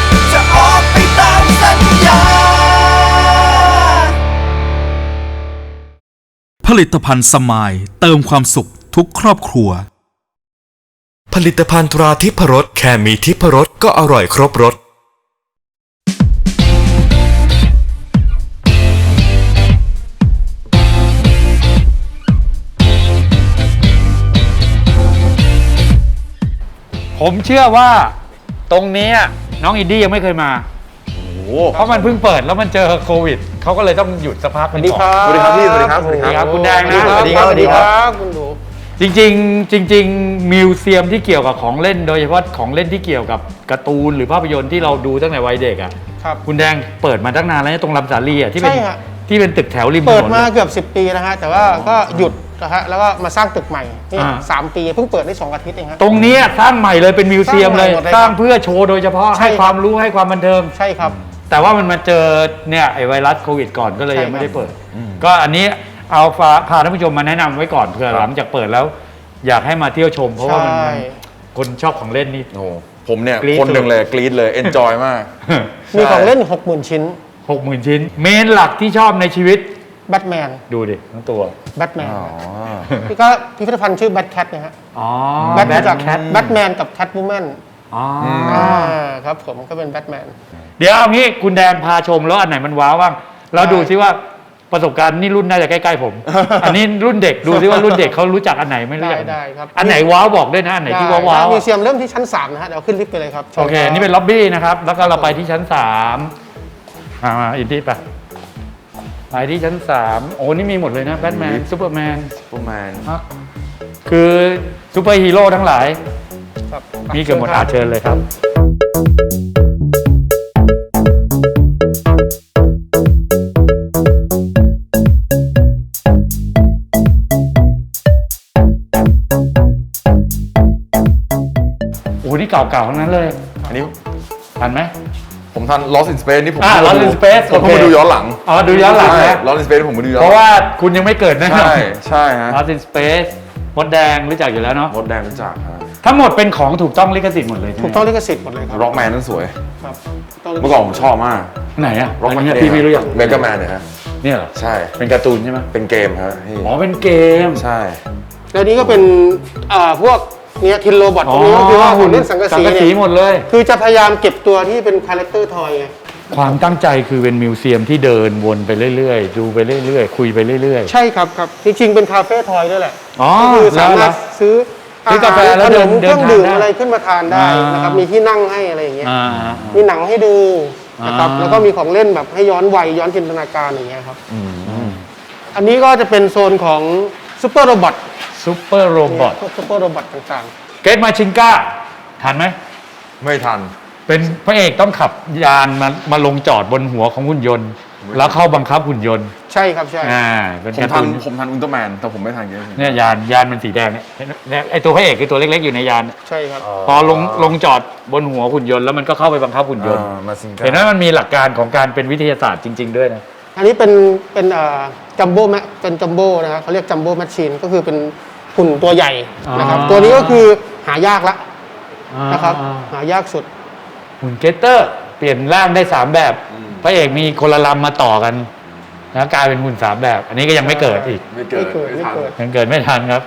จะออกไปตามสัญญาผลิตภัณฑ์สมายเติมความสุขทุกครอบครัวผลิตภัณฑ์ตราทิพรสแค่มีทิพรสก็อร่อยครบรสผมเชื่อว่าตรงนี้น้องอินดี้ยังไม่เคยมาเพราะมันเพิ่งเปิดแล้วมันเจอโควิดเขาก็เลยต้องหยุดสักพักนึงก่อนสวัสดีครับพี่สวัสดีครับสวัสดีครับคุณแดงนะสวัสดีครับสวัสดีครับคุณดูจริงมิวเซียมที่เกี่ยวกับของเล่นโดยเฉพาะของเล่นที่เกี่ยวกับการ์ตูนหรือภาพยนตร์ที่เราดูตั้งแต่วัยเด็กอ่ะครับคุณแดงเปิดมาตั้งนานแล้วตรงลำสาลีอ่ะที่เป็นใช่ฮะที่เป็นตึกแถวริมถนนเปิดมาเกือบ10 ปีนะฮะแต่ว่าก็หยุดนะฮะแล้วก็มาสร้างตึกใหม่นี่3 ปีเพิ่งเปิดได้2 อาทิตย์เองฮะตรงนี้สร้างใหม่เลยเป็นมิวเซียมเลยสร้างใหม่หมดเลยสร้างเพื่อโชว์โดยเฉพาะใช่ให้ความรู้ให้ความบันเทิงใช่ครับแต่ว่ามันมาเจอเนี่ยไอ้ไวรัสโควิดก่อนก็เลยใช่ยังไม่ได้ครับเปิด ก็อันนี้เอาพาท่านผู้ชมมาแนะนำไว้ก่อนเผื่อหลังจากเปิดแล้ว อยากให้มาเที่ยวชม เพราะว่ามันใช่คนชอบของเล่นนี่โอ้โหผมเนี่ยกรี๊ดคนหนึ่งเลยกรี๊ดเลยเอนจอยมากมีของเล่น 60,000 ชิ้น 60,000 ชิ้น เมนหลักที่ชอบในชีวิตแบทแมนดูดิทั้งตัวแบทแมนอ๋อนี่ก็พิพิธภัณฑ์ชื่อแบทแคทนะฮะอ๋อแบทมาจากแคทแบทแมนกับแคทวูแมนอ๋อครับผมก็เป็นแบทแมนเดี๋ยวเอางี้คุณแดนพาชมแล้วอันไหนมันว้าวบ้างแล้วดูซิว่าประสบการณ์นี่รุ่นน่าจะใกล้ๆผม อันนี้รุ่นเด็กดูซิว่ารุ่นเด็กเขารู้จักอันไหนไม่รู้จักได้ครับอันไหนว้าวบอกด้วยนะอันไหนที่ว้าวได้ๆมิวอะเซียมเริ่มที่ชั้น 3 นะฮะเดี๋ยวขึ้นลิฟต์ไปเลยครับโอเค นี่เป็นล็อบบี้นะครับ แล้วก็เราไปที่ชั้น3มาอินดี้ไปที่ชั้น3โอ้นี่มีหมดเลยนะแบทแมนซูเปอร์แมนประมาณคือซูเปอร์ฮีโร่ทั้งหลายครับมีเกือบหมดเชิญเลยครับโอ้นี่เก่าๆทั้งนั้นเลยอันนี้ทันไหมผมทัน Lost in Space นี่ผม Lost in Space ผมเพิ่งมาดูย้อนหลังอ๋อดูย้อนหลังใช่นะ Lost in Space ผมมาดูย้อนเพหลัราะงว่าคุณยังไม่เกิดแน่นอนใช่ใช่ฮะ Lost in Space มดแดงรู้จักอยู่แล้วเนาะมดแดงรู้จักฮะทั้งหมดเป็นของถูกต้องลิขสิทธิ์หมดเลยใช่ไหมถูกต้องลิขสิทธิ์หมดเลยครับร็อกแมนนั่นสวยครับเมื่อก่อนผมชอบมากไหนอะร็อกแมอันนนี้พี่ไม่รู้จักเมกาแมนเนี่ยฮะเนี่ยเหรอใช่เป็นการ์ตูนใช่ไหมเป็นเกมฮะพี่อ๋อเป็นเกมใช่แล้วนี้ก็เป็นพวกเนี้ยทินโรบอทพวกนี้ก็คือว่าหุ่นเล่นสังกะสีเนี่ยหมดเลยคือจะพยายามเก็บตัวที่เป็นคาแรคเตอร์ทอยไงความตั้งใจคือเป็นมิวเซียมที่เดินวนไปเรื่อยๆ ดูไปเรื่อยๆ คุยไปเรื่อยใช่ครับครับจริงๆเป็นคาเฟ่ทอยด้วยแหละๆ อ๋อก็คือสามารถแล้วซื้อซื้อกาแฟแล้วขเดินนมเดิเคน รื่องทานดื่มได้อะไรขึ้นมาทานได้อ่านนะครับมีที่นั่งให้อะไรอย่างเงี้ยอ่ามีหนังให้ดูนะครับอ่าแล้วก็มีของเล่นแบบให้ย้อนวัยย้อนจินตนาการอย่างเงี้ยครับอันนี้ก็จะเป็นโซนของซูเปอร์โรบอทซูเปอร์โรบอทพวกซูเปอร์โรบอทต่างเกตมาชิงก้าทันไหมไม่ทันเป็นพระเอกต้องขับยานมาลงจอดบนหัวของหุ่นยนต์ แล้วเข้าบังคับหุ่นยนต์ๆ ใช่ครับใช่เป็นผมการ์ทัตูนนผมทันอุลตร้าแมนแต่ผมไม่ทันเกมเนี่ยยานมันสีแดงเนี่ยไอตัวพระเอกคือตัวเล็กๆอยู่ในยานใช่ครับพอลงจอดบนหัวหุ่นยนต์แล้วมันก็เข้าไปบังคับหุ่นยนต์มาซิงก้าเห็นว่ามันมีหลักการของการเป็นวิทยาศาสตร์จริง ๆ ด้วยนะอันนี้เป็นจัมโบ้เป็นจัมโบ้นะครับเขาเรียกจัมโบ้แมชชีนก็คือเป็นหุ่นตัวใหญ่นะครับอ๋อตัวนี้ก็คือหายากละนะครับหายากสุดหุ่นเกตเตอร์เปลี่ยนร่างได้ 3 แบบ พระเอกมีคนละลำมาต่อกันแล้วกลายเป็นหุ่น 3 แบบ อันนี้ก็ยังไม่เกิดอีกไม่เกิดไม่เกิดยังเกิดไม่ทันครับ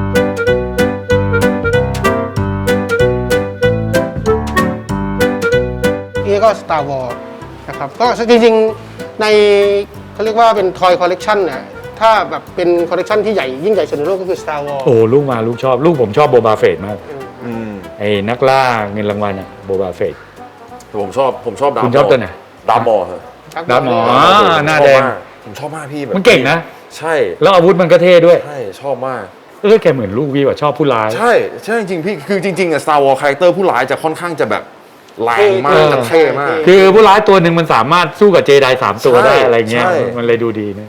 นี่ก็ Star Wars นะครับก็จริงๆในเขาเรียกว่าเป็นทอยคอลเลกชันเนี่ยถ้าแบบเป็นคอลเลกชันที่ใหญ่ยิ่งใหญ่สุดในโลกก็คือ Star Wars โอ้ลูกมาลูกชอบลูกผมชอบโบบาเฟตมากอืมไอ้นักล่าเงินรางวัลอะโบบาเฟตแต่ผมชอบดาคุณชอบตัวไหนดามอร์เหรอดาร์ธมอร์ หน้าแดงผมชอบมากพี่แบบมันเก่งนะใช่แล้วอาวุธมันก็เท่ด้วยใช่ชอบมากแกเหมือนลูกพี่ว่ะชอบผู้ร้ายใช่ใช่จริงๆพี่คือจริงๆอะ Star Wars คาแรคเตอร์ผู้ร้ายจะค่อนข้างจะแบบแรงมากจะเท่มากคือผู้ร้ายตัวหนึ่งมันสามารถสู้กับเจได3 ตัวได้ใช่อะไรเงี้ยใช่มันเลยดูดีนะ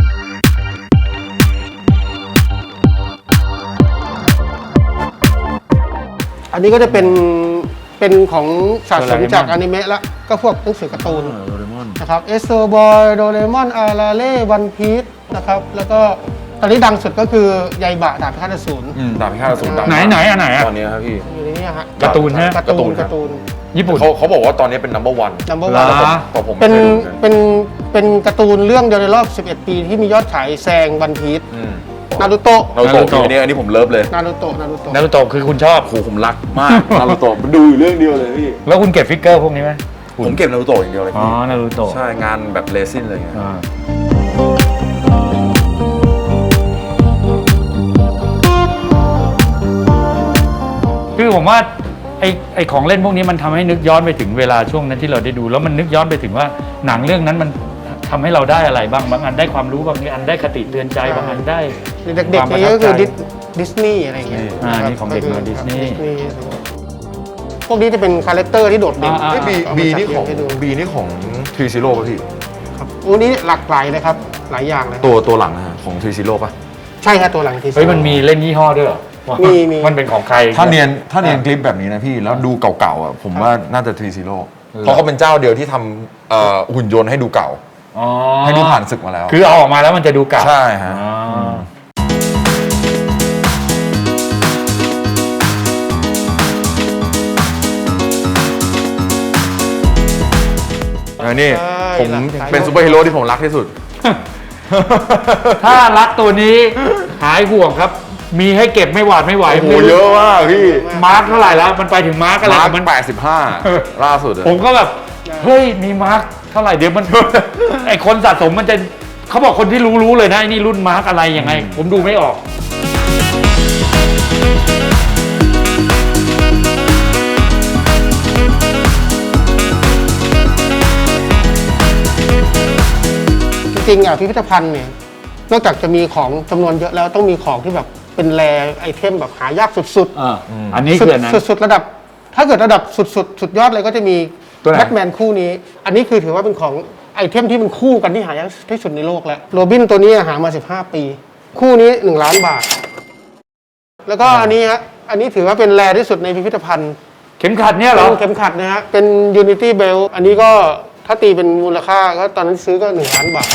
อันนี้ก็จะเป็นของสะสมจากอนิเมะละก็พวกหนังสือการ์ตูนนะครับเอสโซบอยโดเรมอนอาราเล่วันพีซนะครับแล้วก็ตอนนี้ดังสุดก็คือไยบะดาบพิฆาตอสูรดาบพิฆาตอสูรดังไหนอันไหนอะตอนนี้ครับพี่อยู่ในนี้ฮะการ์ตูนฮะการ์ตูนญี่ปุ่นเขาบอกว่าตอนนี้เป็น number one number เหรอ one แต่ผมเป็ไม่นเคยดูเหมือนกันเป็นการ์ตูนเรื่องเดียวในรอบ 11 ปีที่มียอดขายแซงวันพีชอืมนารูโตะนารูโตะอันนี้ผมเลิฟเลยนารูโตะนารูโตะนารูโตะคือคุณชอบโอ้โหผมรักมากนารูโตะดูอยู่เรื่องเดียวเลยพี่แล้วคุณเก็บฟิกเกอร์พวกนี้ไหมผมเก็บนารูโตะอย่างเดียวเลยอ๋อพี่นารูโตะใช่งานแบบเลซินอะไรเงี้ยอ่าคือผมว่าไอของเล่นพวกนี้มันทำให้นึกย้อนไปถึงเวลาช่วงนั้นที่เราได้ดู แล้วมันนึกย้อนไปถึงว่าหนังเรื่องนั้นมันทำให้เราได้อะไรบ้างบางอันได้ความรู้บางอันได้คติเตือนใจบางอันได้เด็กๆนี่ก็คือดิสนีย์อะไรอย่างเงี้ยนี่ของเด็กมาดิสนีย์พวกนี้จะเป็นคาแรคเตอร์ที่โดดเด่นอ่าบีนี่ของให้ดูบีนี่ของทรีซิโร่ป่ะพี่ครับโอ้นี้หลากหลายเลยครับหลายอย่างเลยตัวหลังนะฮะของทรีซิโร่ป่ะใช่ครับตัวหลังที่เฮ้ยมันมีเล่นยี่ห้อด้วยเหรอมีมันเป็นของใครถ้าเนียนคลิปแบบนี้นะพี่แล้วดูเก่าๆอ่ะผมว่าน่าจะทรีซิโร่เพราะเขาเป็นเจ้าเดียวที่ทำหุ่นยนต์ให้ดูเก่าอ๋อให้ดูผ่านศึกมาแล้วคือเอาออกมาแล้วมันจะดูเก่าใช่ฮะอ๋อนี่ผมเป็นซูเปอร์ฮีโร่ที่ผมรักที่สุดถ้ารักตัวนี้หายห่วงครับ มีให้เก็บไม่หวาดไม่ไหวโอ้โหเยอะมากพี่มาร์คเท่าไหร่แล้วมันไปถึงมาร์คอะไรมาร์คของมัน 85 ล่าสุดอะผมก็แบบ เฮ้ย มีมาร์คเท่าไหร่เดี๋ยวมัน ไอคนสะสมมันจะเขาบอกคนที่รู้เลยนะไอ้นี่รุ่นมาร์คอะไรยังไง ผมดูไม่ออกจริงๆอ่ะพิพิธภัณฑ์เนี่ยนอกจากจะมีของจำนวนเยอะแล้วต้องมีของที่แบบเป็นแรไอเทมแบบหายากสุดอันนี้ๆคืออันนั้นสุดๆระดับ ถ้าเกิดระดับสุดยอดเลยก็จะมีตัวไหนแบทแมนคู่นี้ อันนี้คือถือว่าเป็นของไอเทมที่มันคู่กันที่หายากที่สุดในโลกแล้วโรบินตัวนี้หามา15 ปี คู่นี้1 ล้านบาท แล้วก็อันนี้ฮะอันนี้ถือว่าเป็นแรที่สุดในพิพิธภัณฑ์เข็มขัดเนี่ยเหรอเป็นเข็มขัดนะฮะเป็น Unity Belt อันนี้ก็ถ้าตีเป็นมูลค่าก็ตอนนั้นซื้อก็1 ล้านบาท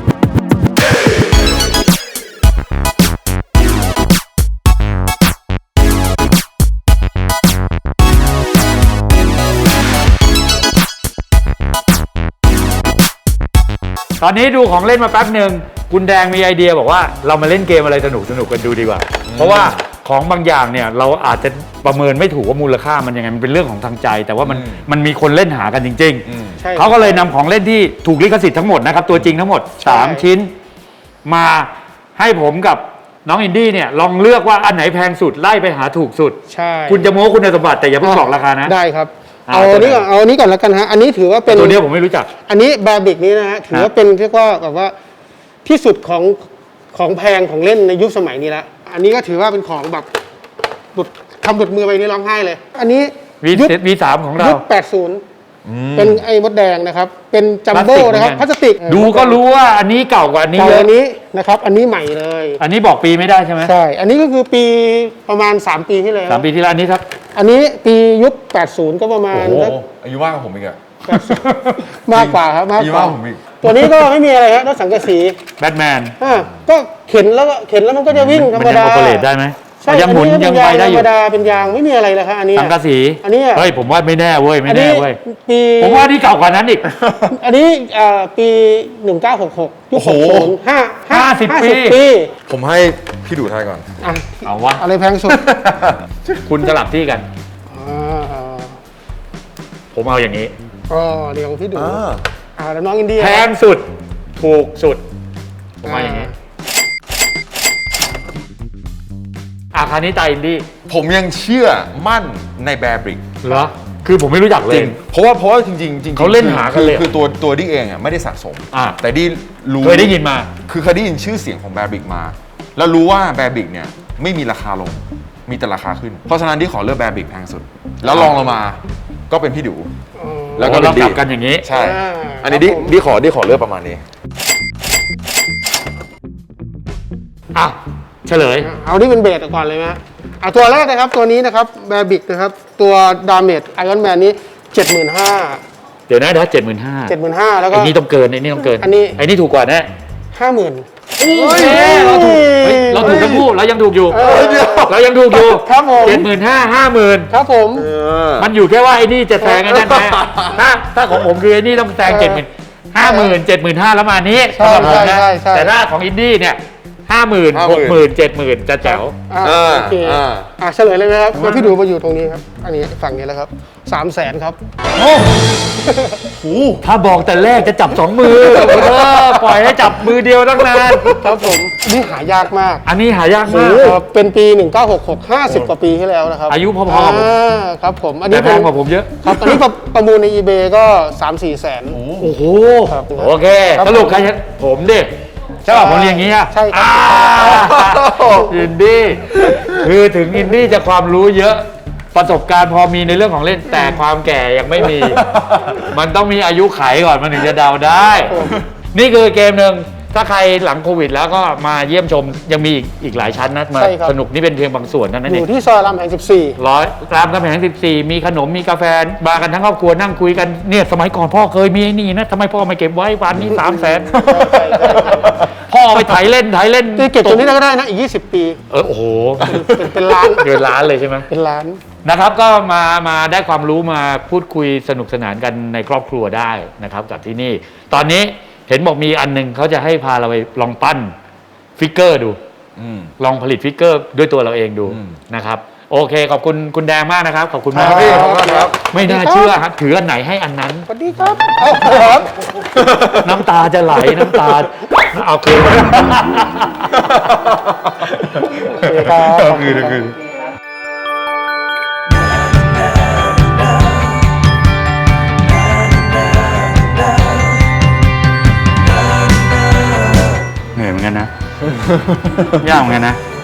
ตอนนี้ดูของเล่นมาแป๊บหนึ่งคุณแดงมีไอเดียบอกว่าเรามาเล่นเกมอะไรสนุกกันดูดีกว่า เพราะว่าของบางอย่างเนี่ยเราอาจจะประเมินไม่ถูกว่ามูลค่ามันยังไงมันเป็นเรื่องของทางใจ แต่ว่ามันมีคนเล่นหากันจริงใช่ๆเขาก็เลยนำของเล่นที่ถูกลิขสิทธิ์ทั้งหมดนะครับตัวจริงทั้งหมดใช่ 3 ชิ้น มาให้ผมกับน้องอินดี้เนี่ยลองเลือกว่าอันไหนแพงสุดไล่ไปหาถูกสุดใช่คุณจะโม้คุณสมบัติแต่อย่าเพิ่งบอกราคานะได้ครับอ่าเอานี้ก่อนเอานี้ก่อนแล้วกันฮะอันนี้ถือว่าเป็นตัวเนี้ยผมไม่รู้จักอันนี้แบบิกนี้นะฮะถือว่าเป็นเรียกว่าแบบว่าที่สุดของแพงของเล่นในยุคสมัยนี้ละอันนี้ก็ถือว่าเป็นของแบบทำหลุดมือไปนี่ร้องไห้เลย อันนี้ยุค V3 ของเรายุค 80 เป็นไอ้มดแดงนะครับ เป็นจัมโบ้นะครับพลาสติกดูก็รู้ว่าอันนี้เก่ากว่าอันนี้เก่าเยอัอะนนี้นะครับ อันนี้ใหม่เลยอันนี้บอกปีไม่ได้ใช่ไหมใช่ อันนี้ก็คือปีประมาณ 3 ปีที่แล้ว 3 ปีที่แล้วอันนี้ครับอันนี้ปียุค 80 ก็ประมาณโอ้โหสักอายุมากกว่าผมอีกอะมากกว่าครับมากอายุกว่ามากกว่าผมอีกตัวนี้ก็ไม่มีอะไรครับรถสังกะสีแบทแมนก็เข็นแล้วมันก็จะวิ่งธรรมดานยังโอเปเรตได้ไหมใช่ยังหมุนอัยังไปได้อธรยู่รมดาเป็นยางไม่มีอะไรเลยครับอันนี้สังกะสีอันนี้เฮ้ยผมว่าไม่แน่เว้ยไม่อันแน่นี้เว้ยปีผมว่านี่เก่ากว่านั้นอีกอันนี้ปี 1966ยุคโอ้โห 60 50 ปีปีผมให้พี่ดูทายก่อนอ่ะเอาวะอะไรแพงสุดคุณสลับที่กันอ่าผมเอาอย่างนี้ก็เดี๋ยวพี่ดูแล้วน้องอินเดียแพงสุดถูกสุดผมเอาอย่างนี้คราวนี้ตาอินดี้ผมยังเชื่อมั่นในแบร์บริกเหรอคือผมไม่รู้จักเลจยริงเพราะว่าจริงๆเขาเล่นหากันเลยคือตัวดิเองอ่ะไม่ได้สะสม แต่ดิรู้เคยได้ยินมาคือเคยได้ยินชื่อเสียงของแบร์บริกมา แล้วรู้ว่าแบร์บริกเนี่ยไม่มีราคาลงมีแต่ราคาขึ้น เพราะฉะนั้นที่ขอเลือกแบร์บริกแพงสุด แล้วลองลงมาก็เป็นพี่ดู แล้วก็เราเป็นกดิลับกันอย่างนี้ใช่ อันนี้ดิขอเลือกประมาณนี้อ่ะเฉลยเอาที่เป็นเบสก่อนเลยไหมตัวแรกนะครับตัวนี้นะครับแบบิกนะครับตัวดาเมจไอรอนแมนนี้ 75,000 เดี๋ยวนะ75,000 75,000แล้วก็ไอ้นี่ต้องเกินไอ้นี่ต้องเกินอันนี้ไอ้นี่ถูกกว่าแน่ 50,000 เราถูกทั้งคู่เรายังถูกอยู่เรายังถูกอยู่ครับผม 75,000 50,000 ครับผมมันอยู่แค่ว่าไอ้นี่จะแซงไอ้นั่นไหมถ้าของผมคือไอ้นี่ต้องแซง50,000 75,000แล้วมานี้ใช่สำหรับผมนะใช่แต่ถ้าของอินดี้เนี่ย 50,000 60,000 70,000จะแจ๋วโอเคเฉลยเลยไหมครับแล้วพี่ดูมาอยู่ตรงนี้ครับอันนี้ฝั่งนี้แล้วครับ300,000ครับถ้าบอกแต่แรกจะจับ 2 มือปล่อยให้จับมือเดียวตั้งนานครับผมอันนี้หายากมากอันนี้หายากมากเป็นปี 1966 50 กว่าปีที่แล้วนะครับอายุพอๆกับผมครับผมอันแต่นี้แพงกว่าผมเยอะครับอันนี้ประมูลใน eBay ก็ 3-4 แสนโอ้โหครับโอเคครับสรุปใครชนะผมดิใช่ป่ะผมเรียนอย่างนี้อะใช่ครับอินดี้คือถึงอินดี้จะความรู้เยอะประสบการณ์พอมีในเรื่องของเล่นแต่ความแก่ยังไม่มี มันต้องมีอายุไขก่อนมันถึงจะเดาได้ นี่คือเกมหนึ่งถ้าใครหลังโควิดแล้วก็มาเยี่ยมชมยังมีอีกหลายชั้นนะมาใช่ครับสนุกนี่เป็นเพียงบางส่วนเท่านั้นอเองยู่ที่ซอยรามแห่ง14 รามคำแหง14 มีขนมมีกาแฟมากันทั้งครอบครัวนั่งคุยกันเนี่ยสมัยก่อนพ่อเคยมีไอ้นี่นะทำไมพ่อไม่เก็บไว้วันนี้300,000 พ่อไปไถเล่นที่เก็บตัวนี้ก็ได้นะอีก 20 ปีโอ้โหเป็นล้านเกินล้านเลยใช่ไหมเป็นล้านนะครับก็มาได้ความรู้มาพูดคุยสนุกสนานกันในครอบครัวได้นะครับกับที่นี่ ตอนนี้เห็นบอกมีอันหนึงเขาจะให้พาเราไปลองปั้นฟิกเกอร์ดูลองผลิตฟิกเกอร์ด้วยตัวเราเองดูนะครับโอเคขอบคุณคุณแดงมากนะครับขอบคุณมากครับพี่ขอบคุณครับไม่น่าเชื่อครับถืออันไหนให้อันนั้นสวัสดีครับครับน้ำตาจะไหลน้ำตาเอาคืนโอเคครับเอาคืนเหนื่อยเหมือนกันนะ ยากเหมือนกันนะ